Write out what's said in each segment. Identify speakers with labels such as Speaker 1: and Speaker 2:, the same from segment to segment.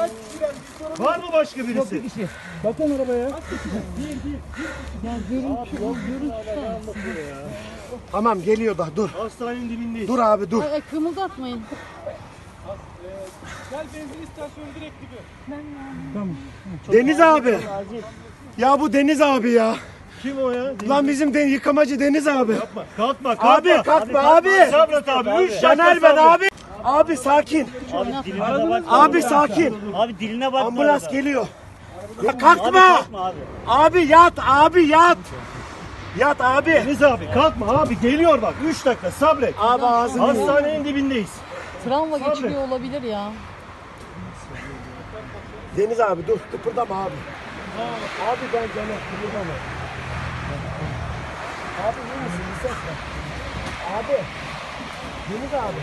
Speaker 1: Var mı başka birisi?
Speaker 2: Bakın arabaya.
Speaker 3: Ya görüntü.
Speaker 4: Tamam geliyor da dur.
Speaker 1: Hastanenin dibindeyiz.
Speaker 4: Dur abi dur.
Speaker 3: Ay, kımıldatmayın.
Speaker 2: Gel benzin istasyonu direkt gibi.
Speaker 4: Deniz abi. Ya bu Deniz abi ya.
Speaker 1: Kim o ya?
Speaker 4: Lan bizim yıkamacı Deniz abi.
Speaker 1: Yapma. Kalkma kalkma.
Speaker 4: Abi kalkma abi.
Speaker 1: Sabret abi. 3 dakika
Speaker 4: Caner ben
Speaker 1: sabret.
Speaker 4: abi. Abi sakin.
Speaker 5: Abi diline de bak.
Speaker 4: Abi sakin.
Speaker 5: Abi diline bak.
Speaker 4: Ambulans geliyor. Ya
Speaker 5: Abi
Speaker 4: kalkma.
Speaker 5: kalkma abi.
Speaker 4: Abi yat abi yat. Yat abi.
Speaker 1: Deniz abi kalkma abi geliyor bak 3 dakika sabret.
Speaker 4: Abi ağzını yiyor.
Speaker 1: Hastanenin dibindeyiz.
Speaker 3: Travma geçiriyor olabilir ya.
Speaker 4: Deniz abi dur kıpırdama abi. Abi ben Caner kıpırdama. Abi iyi misin? Bir ses ver. Abi. Deniz abi.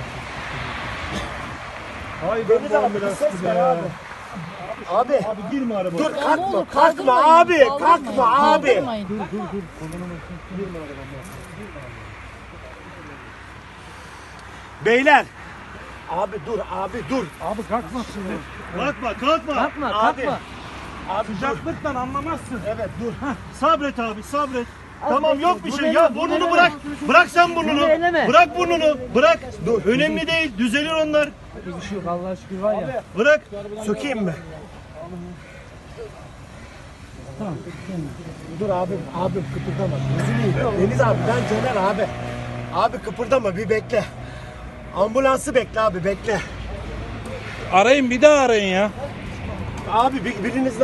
Speaker 1: Hayır
Speaker 4: Deniz abi bir ses ver abi. Abi.
Speaker 1: Abi girme arabaya.
Speaker 4: Dur
Speaker 3: Ya ne
Speaker 4: kalkma
Speaker 3: olur,
Speaker 4: kalkma
Speaker 3: kaldırmayın,
Speaker 4: abi
Speaker 3: kaldırmayın,
Speaker 4: kalkma abi.
Speaker 3: kaldırmayın.
Speaker 4: Beyler. Abi dur abi dur.
Speaker 2: Abi kalkma şimdi.
Speaker 1: Kalkma kalkma.
Speaker 2: Kalkma
Speaker 4: Abi.
Speaker 2: kalkma.
Speaker 4: Abi dur.
Speaker 2: Sıcaklıktan anlamazsın.
Speaker 4: Evet dur.
Speaker 1: Sabret abi sabret. Tamam yok bir şey ya burnunu bırak. Bırak sen burnunu. Bırak burnunu. Bırak. Dur. Önemli değil. Düzelir onlar.
Speaker 2: Bir şey yok Allah'a şükür var ya.
Speaker 1: Bırak.
Speaker 4: Sökeyim mi? Dur abi kıpırdama. Gözünü yiyeyim. Deniz abi ben Caner abi. Abi kıpırdama bir bekle. Ambulansı bekle abi bekle.
Speaker 2: Arayın bir daha arayın ya.
Speaker 4: Abi biriniz